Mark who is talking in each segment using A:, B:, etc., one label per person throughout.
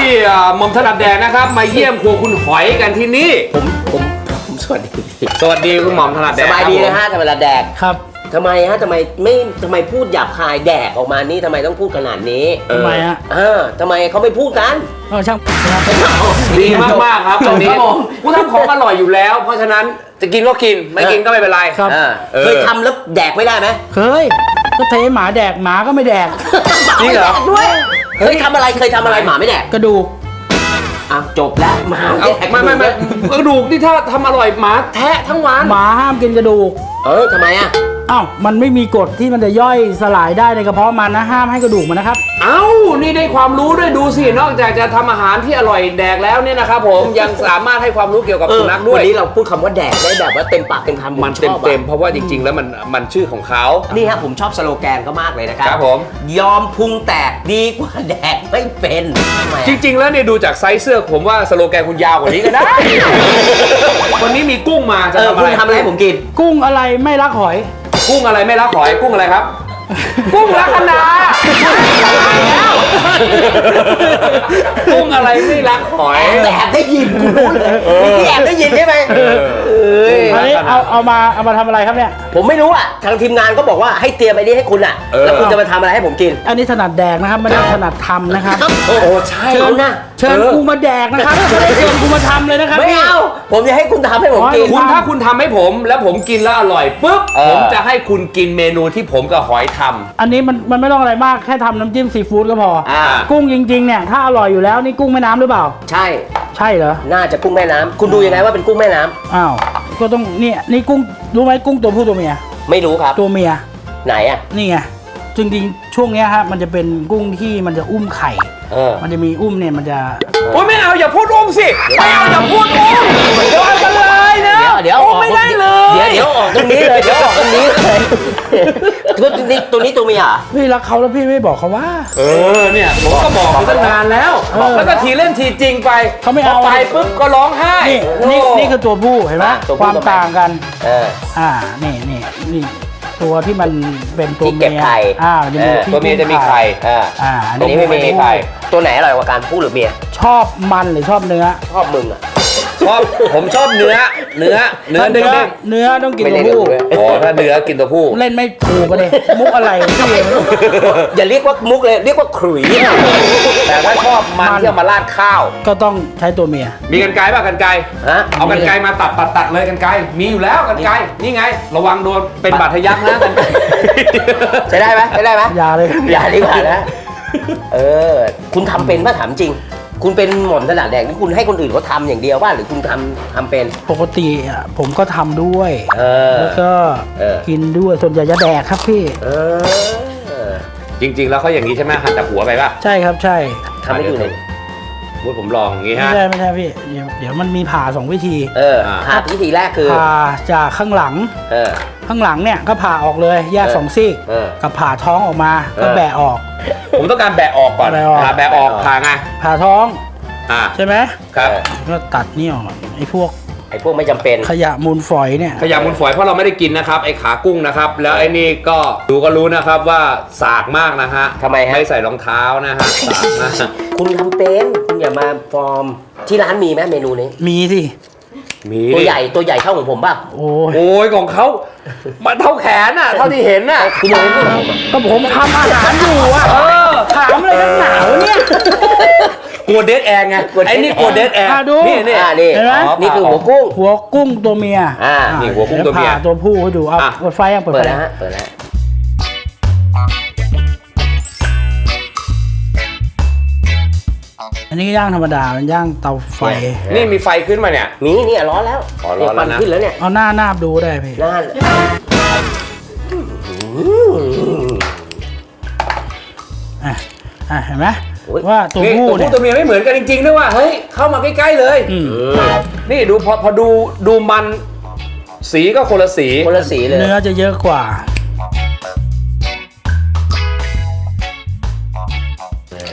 A: หม่อมถนัดแดกนะครับมาเยี่ยมครัวคุณหอยกันที่นี่
B: ผมสวัสดี
A: คุณหม่อมถนัดแดก
B: สบายดีนะฮะธรรมดาแดก
A: ครับ
B: ทำไมฮะทำไมพูดหยาบคายแดกออกมานี่ทำไมต้องพูดขนาดนี้
C: ทำไมฮะ
B: ทำไมเขาไม่พูดกัน
C: ช่าง
A: ดีมากๆครับตรงนี้กูทำของอร่อยอยู่แล้ว เพราะฉะนั้นจะกินก็กินไม่กินก็ไม่เป็นไร
B: เคยทำแล้วแดกไม่ได้ไหม
C: เคยก็เทหมาแดกหมาก็ไม่แดก
B: จริงเหรอด้วยเคยทำอะไรหมาไม่แดก
C: กระดูก
B: จบแล้วหมา
A: ไม่กระดูกนี่ถ้าทำอร่อยหมาแทะทั้งวัน
C: หมาห้ามกินกระดูก
B: ทำไม
C: มันไม่มีกฎที่มันจะย่อยสลายได้ในกระเพาะมันนะห้ามให้กระดูกมันนะครับ
A: นี่ได้ความรู้ด้วยดูสินอกจากจะทำอาหารที่อร่อยแดกแล้วเนี่ยนะครับผมยังสามารถให้ความรู้เกี่ยวกับสุนัขด้วย
B: วันนี้เราพูดคำว่าแดกได้แบบว่าเต็มปากเต็มคำ
A: มันเต็มเพราะว่าจริงๆแล้วมันชื่อของเขา
B: นี่ฮะผมชอบสโลแกนเขามากเลยนะครับ
A: ครับผม
B: ยอมพุงแตกดีกว่าแดกไม่เป็น
A: จริงๆแล้วเนี่ยดูจากไซส์เสื้อผมว่าสโลแกนคุณยาวกว่านี้ก็ได้วันนี้มีกุ้งมาจะทำ
B: อะไรให้ผมกิน
C: กุ้งอะไรไม่รักหอย
A: กุ้งอะไรไม่รักหอยกุ้งอะไรครับกุ้งลัคนากุ้งอะไรไม่รักหอย
B: แอบได้ยินกูรู้เลยพี่แอบได้ยินใช่ไหม
C: อันนี้เอามาทำอะไรครับเนี่ย
B: ผมไม่รู้ทางทีมงานก็บอกว่าให้เตรียมไอ้นี่ให้คุณแล้วคุณจะมาทำอะไรให้ผมกิน
C: อันนี้ถนัดแดกนะครับไม่ได้ถนัดทำนะครับ
B: ใช่
C: เชิญกูมาแดกนะครับไม่ได้เชิญกูมาทำเลยนะครับ
B: ไม่เอาผมจะให้คุณทำให้ผมกิน
A: ถ้าคุณทำให้ผมแล้วผมกินแล้วอร่อยปุ๊บผมจะให้คุณกินเมนูที่ผมกับหอยทำ
C: อันนี้มันไม่ต้องอะไรมากแค่ทำน้ำจิ้มซีฟู้ดก็พอกุ้งจริงๆเนี่ยถ้าอร่อยอยู่แล้วนี่กุ้งแม่น้ำหรือเปล่า
B: ใช่
C: เหรอ
B: น่าจะกุ้งแม่น้ำคุณดูยังไงว่าเป็นกุ้งแม่น้ำ
C: ก็ต้องนี่กุ้งรู้ไหมกุ้งตัวผู้ตัวเมีย
B: ไม่รู้ครับ
C: ตัวเมีย
B: ไหน
C: นี่ไงจริงๆช่วงนี้ฮะมันจะเป็นกุ้งที่มันจะอุ้มไข่มันจะมีอุ้มเนี่ยมันจะ
A: โอ้ยไม่เอาอย่าพูดอุ้มสิไม่เอาอย่าพูดอุ้มเดี๋ยวกันเลยนะ
B: เดี๋ยว
A: ไม่ได้เลย
B: เดี๋ยวออกตรงนี้เลยตัวนี้ตัวเมีย
C: พี่รักเขาแล้วพี่ไม่บอกเขาว่า
A: เนี่ยผมก็บอกมาตั้งนานแล้วแล้วก็ทีเล่นทีจริงไป
C: เขาไม่เอา
A: ไปปุ๊บก็ร้องไห้
C: นี่คือตัวผู้เห็นไหมความต่างกันนี่ตัวที่มันเป็นตัวเมีย
A: ตัวเมียจะมีไข่
C: อันนี้
B: ไม่มีไข่ตัวไหนอร่อยกว่ากันผู้หรือเมีย
C: ชอบมันหรือชอบเนื้อ
B: ชอบมึง
A: ผมชอบเนื้อเด้ง
C: เนื้อต้องกินตัวผู้
A: ถ้าเนื้อกินตัวผู้
C: เล่นไม่ถูกเลยมุกอะไร
B: อย่าเรียกว่ามุกเลยเรียกว่าขลุ่ย
A: แต่ถ้าชอบมันที่เอามาราดข้าว
C: ก็ต้องใช้ตัวเมีย
A: มีกรรไกรป่ะกรรไกรเอากรรไกรมาตัดเลยกรรไกรมีอยู่แล้วกรรไกรนี่ไงระวังโดนเป็นบาดทะยักนะกรรไกร
B: ใช้ได้ไหม
C: อย่าเลย
B: อย่าดีกว่านะคุณทำเป็นป่ะถามจริงคุณเป็นหม่อมถนัดแดกนี่คุณให้คนอื่นเขาทำอย่างเดียวว่าหรือคุณทำเป็น
C: ปกติผมก็ทำด้วยแล้วก็กินด้วยส่วนใหญ่จะแดกครับพี่
A: จริงๆแล้วเขาอย่างนี้ใช่ไหมหั่นแต่หัวไปป่ะ
C: ใช่ครับใช่
B: ทำให้ดูหน่อย
A: ว่าผมลองอย่างนี้ฮะ
C: ไม่ใช่พี่เดี๋ยวมันมีผ่า2 วิธี
B: ผ่าวิธีแรกคือ
C: ผ่าจากข้างหลังเนี่ยก็ผ่าออกเลยแยก2 ซี่กับผ่าท้องออกมาก็แบะออก
A: ผมต้องการแบะออกก่อนแบะออกผ่าไง
C: ผ่าท้องใช่ไหม
A: ครับ
C: ก็ตัดนี่ออกไอ้พวก
B: ไม่จำเป็น
C: ขยะมูลฝอยเนี่ย
A: ขยะมูลฝอยเพราะเราไม่ได้กินนะครับไอ้ขากุ้งนะครับแล้วไอ้นี่ก็ดูก็รู้นะครับว่าสากมากนะฮะ
B: ทำไมฮะ
A: ไม่ใส่รองเท้านะฮะสากนะ
B: คุณทำเป็นคุณอย่ามาฟอร์มที่ร้านมีไหมเมนูนี้
C: มีสิ
A: มี
B: ตัวใหญ่เท่าของผมป่ะ
A: โอ้ยของเขามันเท่าแขนน่ะเท่าที่เห็นน่ะ
B: คุณยังไม่พูด
C: ก็ผมทำอาหารอยู่ถามอะไรนักหนาวเนี่ย
A: กลัวเดดแอร์ไงไอ้นี่กลัวเดดแอร์
B: นี่คือหัว
C: กุ้งตัวเมีย
A: นี่หัวกุ้งตัวเมีย
C: ตัวผู้ให้ดูเอาเปิดไฟยัง
B: เปิดแล้ว
C: อันนี้ย่างธรรมดามันย่างเตาไฟ
A: นี่มีไฟขึ้นมาเนี่ย
B: นี่ร้อนแล้ว
A: ร้อนแล้วนะ
B: ขึ้นแล้วเนี่ย
C: เอาหน้านาบดูได้พี่เห็นไหมว่าตัวผู้เนี่ย
A: ตัวเมียไม่เหมือนกันจริงๆด้วยว่าเฮ้ยเข้ามาใกล้ๆเลยนี่ดูพอดูมันสีก็คนละสี
B: เลย
C: เนื้อจะเยอะกว่า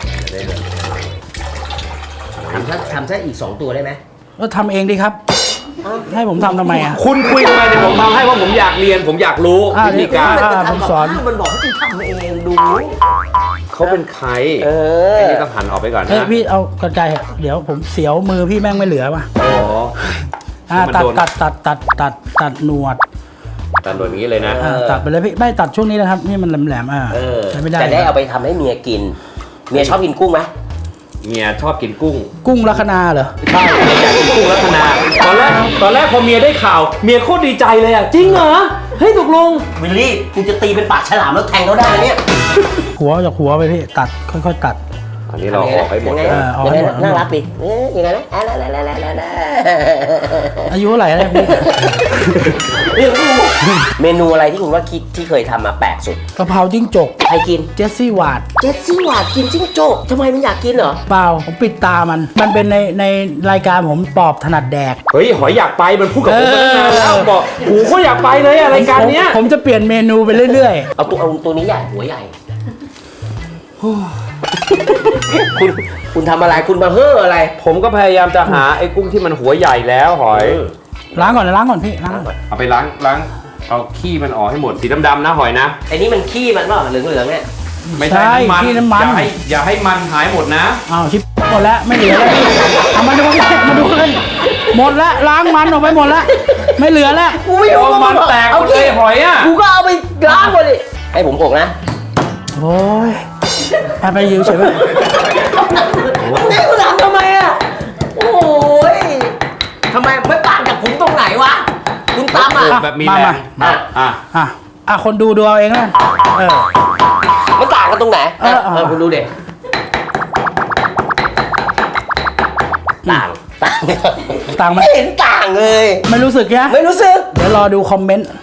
B: ทำซะอีก2 ตัวได้ไหม
C: ก็ทำเองดิครับให้ผมทำทำไมอ่ะ
A: คุณคุยทำไมเนี่ยผมทำให้ว่าผมอยากเรียนผมอยากรู้
C: อ่ะ
A: วิธีการ
C: ผมสอน
B: มันบอกให้คุณทำเองดู
A: เขาเป็นใคร
B: เออ
A: ไอ้นี่ต้องหันออกไปก่อน
C: เฮ้ย
A: นะ
C: พี่เอากระจายเดี๋ยวผมเสียวมือพี่แม่งไม่เหลือว่ะ
A: อ๋อ
C: ตัด
A: มันโดน
C: ตัดหนวด
A: ตัดแบบนี้เลยนะ
C: ตัดไปเลยพี่ไม่ตัดช่วงนี้นะครับนี่มันแหลมๆ
B: เออ
C: ใช้ไม่ได้
B: จะได้เอาไปทำให้เมียกิน เมียชอบกินกุ้งไหม
A: เมียชอบกินกุ้ง
C: กุ้งลัคนาเหรอ
A: ใช่เมียอยากกินกุ้งลัคนาตอนแรกพอเมียได้ข่าวเมียโคตรดีใจเลยอ่ะจริงเหรอเฮ้ยตกลง
B: วิลลี่คุณจะตีเป็นปากฉลามแล้วแทงเขาได้เนี่ย
C: หัวจากหัวไปพี่ตัดค่อยๆตัด
A: อันนี้เราออกให้หมด
B: ยังไง
A: เลย
C: เอา
B: ยัง
C: ให้
B: ไง
C: หมด
B: น่ารักดิยังไงนะ
C: อายุเท่าไหร่แล้วพี่
B: เมนูอะไรที่คุณว่าคิดที่เคยทำมาแปลกสุด
C: กะเพราจิ้งจก
B: ใครกิน
C: เจสซี่วาด
B: เจสซี่หวาดกินจิ้งโจ้ทำไมมันอยากกินเหรอ
C: เปล่าผมปิดตามันเป็นในรายการผมปอบถนัดแดก
A: เฮ้ยหอยอยากไปมันพูดกับผมมาตั้งนานแล้วบอกโอ้โหเขาอยากไปเลยอะรายการเนี้ย
C: ผมจะเปลี่ยนเมนูไปเรื่อย
B: เอาตัวนี้ใหญ่หัวใหญ่ คุณทำอะไรคุณมาเฮ่ออะไร
A: ผมก็พยายามจะหาไอ้กุ้งที่มันหัวใหญ่แล้วหอย
C: ๆล้างก่อนพี่ล้างก่อน
A: เอาไปล้างเอาขี้มันออกให้หมดสีดำๆนะหอยนะ
B: ไอ้นี่มันขี้มันเปล่าเหลืองๆเนี่ย
A: ไม่ใช่น้ำมัน
C: ที่น้ำมัน
A: อย่าให้มันหายหมดนะ
C: อ้าวชิบหมดแล้วไม่เหลือแล้วพี่เอามาดูเลยหมดแล้วล้างมันออกไปหมดแล้วไม่เหลือแล้ว
B: กูไม่รู้
A: เอามันแตกหมดเลยหอยอ่ะ
B: กูก็เอาไปล้างหมดดิให้ผมอกนะ
C: โอ้ยไปยืมเฉยไป
B: นี่คุณทำทำไมอ่ะโอ้ยทำไมไม่ต่างจากผมตรงไหนวะคุณตำอ่ะ
A: แบบมีแรง
B: มา
C: อ่ะคนดูเอาเองแล้วเออ
B: มันต่างกันตรงไหน
C: เออ
B: คุณดูเด็ต่าง
C: ต่างไหม
B: ไม่เห็นต่างเลย
C: ไม่รู้สึกแค่
B: ไม่รู้สึก
C: เดี๋ยวรอดูคอมเมนต์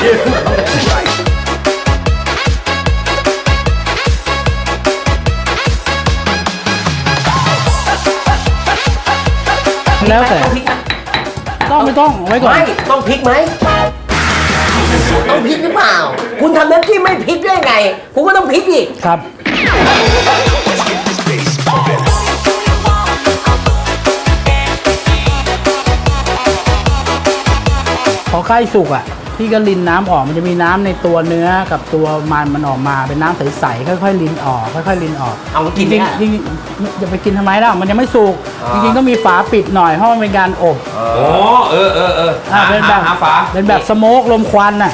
C: แล้วแต่
B: ต้องพริกไหม
C: ต้องไม่ต้องไว้ก่อน
B: ไม่ต้องพริกไหมต้องพริกหรือเปล่า คุณทำน้ำจิ้มไม่พริกได้ไง คุณก็ต้องพริกอีก
C: ครับพอใกล้สุกอ่ะพี่ก็ลินน้ำออกมันจะมีน้ำในตัวเนื้อกับตัวมันออกมาเป็นน้ำใสๆค่อยๆลินออกค่อยๆลินออก
B: เอามากิน
C: จริง
B: เนี่ย
C: ๆจริงๆจะไปกินทำไมล่ะมันยังไม่สุก
B: อ๋อ
C: จริงๆต้องมีฝาปิดหน่อยเพราะมันเป็นการอบ
A: โอ้เออ
C: เป็นแบบ
A: หาฝา
C: เป็นแบบสโมกลมควันน่ะ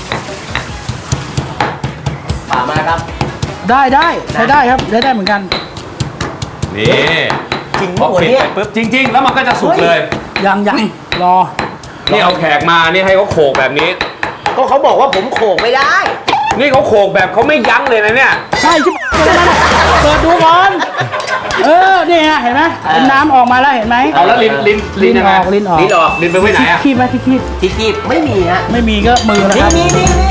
B: ฝามาครับ
C: ได้ใช้ได้ครับได้เหมือนกัน
A: นี่
B: จริง
A: พอ
B: หมด
A: ปิด
B: เนี่ย
A: ไปปุ๊บจริง ๆ แล้วมันก็จะสุกเลย
C: ยังรอ
A: นี่เอาแขกมานี่ให้เขาโขกแบบนี้
B: ก็เขาบอกว่าผมโขกไม่ได้
A: นี่เขาโขกแบบเขาไม่ยั้งเลยนะเนี่ย
C: ใช่ชิบเปิดดูก่อนนี่ฮะเห็นไหมเป็นน้ำออกมาแล้วเห็นไหม
A: เอาแล้วลิ้นยังไง
C: ลิ้นออก
B: ลิ้นออก
A: ลิ้นไปไว้ไหนอะ
C: คีบไหมคีบ
B: ที่ไม่มีฮะ
C: ไม่มีก็มือนะ
B: นี่
C: ครับ
B: นี่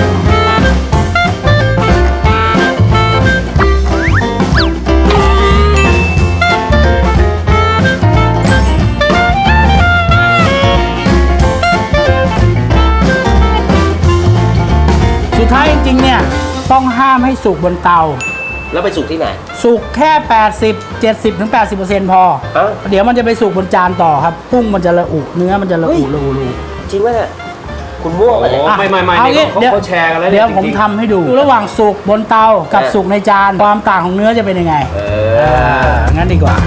C: สุดท้ายจริงๆเนี่ยต้องห้ามให้สุกบนเตา
B: แล้วไปสุกที่ไหน
C: สุกแค่ 70 ถึง 80% พอ
B: เอ้า
C: เดี๋ยวมันจะไปสุกบนจานต่อครับกุ้งมันจะระอุเนื้อมันจะระอุ
B: จริงไหมเนี่ยคุณมั่วไปเลย
A: โอ้ไม่
C: เอา
A: นี่
C: งี้
A: เขาแชร์กันแล้ว
C: เดี๋ยว
A: จริงๆ
C: ผมทำให้ดูระหว่างสุกบนเตากับสุกในจานความต่างของเนื้อจะเป็นยังไงงั้นดีกว่า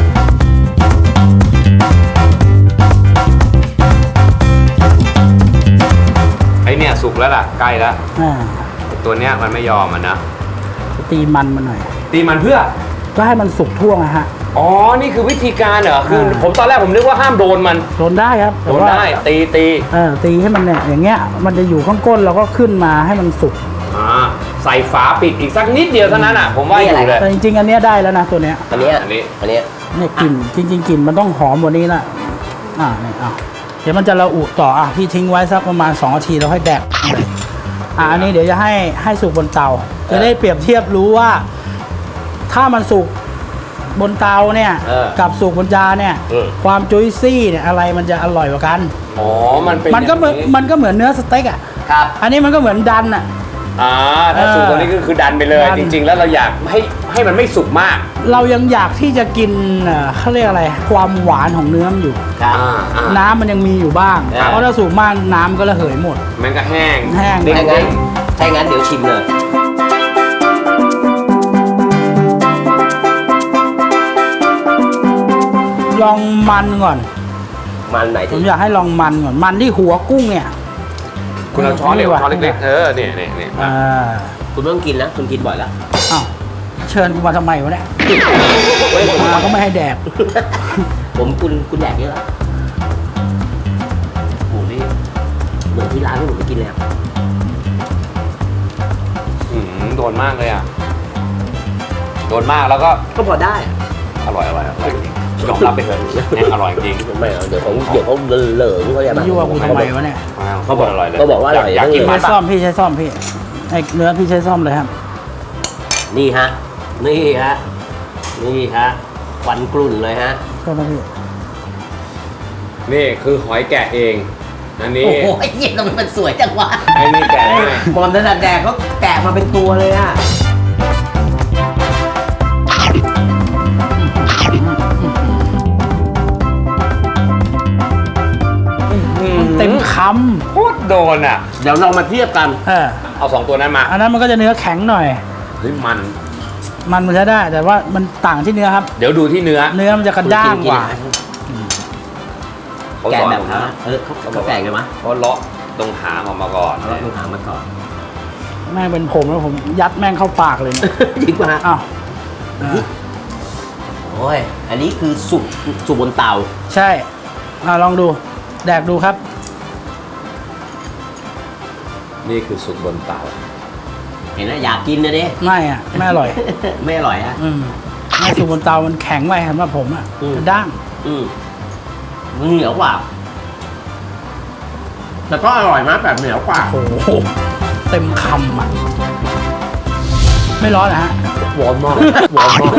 A: ไอเนี่ยสุกแล้วล่ะใกล้แล้ว
C: อ่า
A: ตัวเนี้ยมันไม่ยอมมันนะ
C: ตีมันมาหน่อย
A: ตีมันเพื่อ
C: ก็ให้มันสุกทั่วนะฮะ
A: อ๋อ นี่คือวิธีการเหรอ คือ ผมตอนแรกผมนึกว่าห้ามโดนมัน
C: โดนได้ครับ
A: โดนได้ ตี
C: ตีให้มันเนี่ยอย่างเงี้ยมันจะอยู่ข้างก้นเราก็ขึ้นมาให้มันสุก
A: ใส่ฝาปิดอีกสักนิดเดียวเท่านั้นอ่ะ ผมว่าอยู่เลย
C: แต่จริงๆอันเนี้ยได้แล้วนะตัวเนี้ย
B: อันเนี้ย
A: อันนี้
C: เนี่ยกลิ่นจริงๆกลิ่นมันต้องหอมกว่านี้ละเนี่ยเดี๋ยวมันจะระอุต่อพี่ทิ้งไว้สักประมาณ2 นาทีแล้วค่อยแดกอันนี้เดี๋ยวจะให้สุกบนเตาจะได้เปรียบเทียบรู้ว่า ถ้ามันสุกบนเตาเนี่ยกับสุกบนจานเนี่ยความจุยซี่เนี่ยอะไรมันจะอร่อยกว่ากัน
A: อ๋อ มันเป็น
C: มันก็เหมือนเนื้อสเต็กอ่ะ
B: ครับ
C: อันนี้มันก็เหมือนดันอ่ะ
A: ถ้าสุกตรงนี้ก็คือดันไปเลย จริง ๆ แล้วเราอยากให้มันไม่สุกมาก
C: เรายังอยากที่จะกินเขาเรียกอะไร ความหวานของเนื้อมันอยู่
B: ครับ
C: น้ำมันยังมีอยู่บ้าง
B: ครับ
C: เพราะถ้าสุกมากน้ำก็ระเหยหมด
A: มันก็แห้ง
C: แห้ง
A: เด้
B: ถ้างั้น
A: ง
B: ถ้างั้นเดี๋ยวชิมเลย
C: ลองมันก่อน
B: มันไหน
C: ผ
B: ที่
C: มอยากให้ลองมันก่อน มันที่หัวกุ้งเนี่ย
A: ๆคุณเอาช้อนเล็กช้อนเล็กๆเนี่ย
C: อ่า
B: คุณไม่ต้องกินนะคุณกินบ่อยแล้ว
C: อ้าวเชิญกูมาทำไมวะเนี่ย
B: เฮ้ยผม
C: มาก็ไม่ให้แดก
B: คุณแดกเยอะแล้วโอ้โหนี่เหมือนที่ร้านที่ผมไปกินเลยอะ
A: โดนมากเลยอ่ะโดนมากแล้วก็
B: ก็พอได้อะ
A: อร่อยจริงยอมรับไปเถอะแห้งอร่อยจริง
B: ไม่เอาเดี๋ยวเขาเหลิงเขาจะ
C: ยั่วกูทำไมวะเนี่ย
A: เขาบอกอร่อยเลย
B: เขาบอกว่าอร่อย
A: อยากกิน
C: พี่
A: มั
C: ใช้
A: น
C: ซ่อมพี่ใช้ซ่อมพี่ไอ้เนื้อพี่ใช้ซ่อมเลยครับ
B: นี่ฮะ นี่ฮะ นี่ฮะควันกลุ่นเลยฮะ
C: ซ่อมนะพี่
A: นี่คือหอยแกะเองอันนี้
B: โอ้โหไอ้เหี้ยทำไมมันสวยจังวะ
A: ไอ้นี่แกะให้
B: บอลถนัดแดกเขาแกะมาเป็นตัวเลยอะ
C: เต็มค
A: โคตรโดนอ่ะ
B: เดี๋ยวเรามาเทียบกัน
C: ำ
A: เอา2ตัวนั้นมา
C: อันนั้นมันก็จะเนื้อแข็งหน่อย
A: เฮ้ยมัน
C: มันใช้ได้ แต่ว่ามันต่างที่เนื้อครับ
A: เดี๋ยวดูที่เนื้อ
C: เนื้อมันจะกระด้างกว่า
A: เขา
B: แกะ
A: สอน
B: แบบ
A: ผม
B: ฮะ
A: นะ
B: เขาแกะไงมะ
A: เขาเลาะตรงหางออกมาก่อน
B: เราต้องหามาก่อน
C: แม่งเป็นผมแล้วผมยัดแม่งเข้าปากเลยเนี่ย
B: จริงป่ะฮะ
C: อ้าว
B: โอ้ย อันนี้คือสุกบนเตา
C: ใช่ลองดู แดกดูครับ
A: นี่คือสุกบนเตา
B: เห็นไหมอยากกินนะดิ
C: ไม่อ่ะไม่อร่อย
B: ไม่อร่อยฮะ
C: ไม่สุกบนเตามันแข็งไปสำหรับผมอ่ะ
B: อืม
C: กระด้าง
B: มันเหนียวกว่า แต่ก็อร่อยมากแบบเหนียวกว่า
C: โอ้โหเต็มคำอ่ะ ไม่ร้อนนะฮะ
B: หวานมากหวานมาก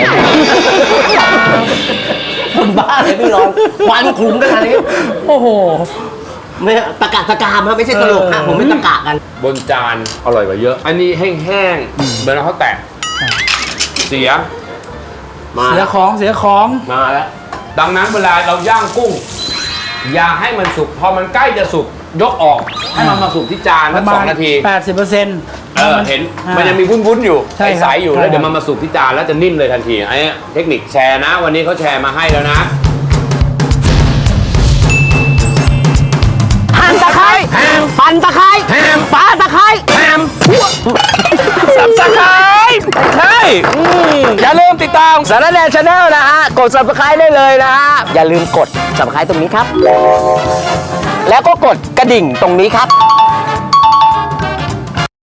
B: คนบ้าเลยไม่ร้อนควันคลุ้งกันอันนี้
C: โอ้โห
B: ไม่ตะกะตะกามฮะไม่ใช่ตลกฮะผมไม่ตะกะกัน
A: บนจานอร่อยกว่าเยอะ อันนี้แห้งๆเหมือนเขาแตะเสีย
B: มา
C: เสียของเสียของ
B: มาแล้ว
A: ดังนั้นเวลาเราย่างกุ้ง อย่าให้มันสุก พอมันใกล้จะสุกยกออก ให้มันมาสุกที่จาน
C: ป
A: สั
C: ระ
A: ก
C: มา
A: 2
C: ณ
A: นาที
C: 80%
A: เห็นมันยังมีวุ้นๆอยู่
C: ใช่ครับ
A: ใสๆอยู่
C: ใช่
A: แล้วเดี๋ยว
C: ครับ
A: มันมาสุกที่จานแล้วจะนิ่มเลยทันทีไอ้เทคนิคแชร์นะ วันนี้เขาแชร์มาให้แล้วนะ
B: หั่นตะไคร้ปั่นตะไคร้ปาตะไคร้
A: สับสไครใช่อย่าลืมติดตาม
B: สารแนชาแนลนะฮะ กด subscribe ได้เลยนะฮะ อย่าลืมกด subscribe ตรงนี้ครับ แล้วก็กดกระดิ่งตรงนี้ครับ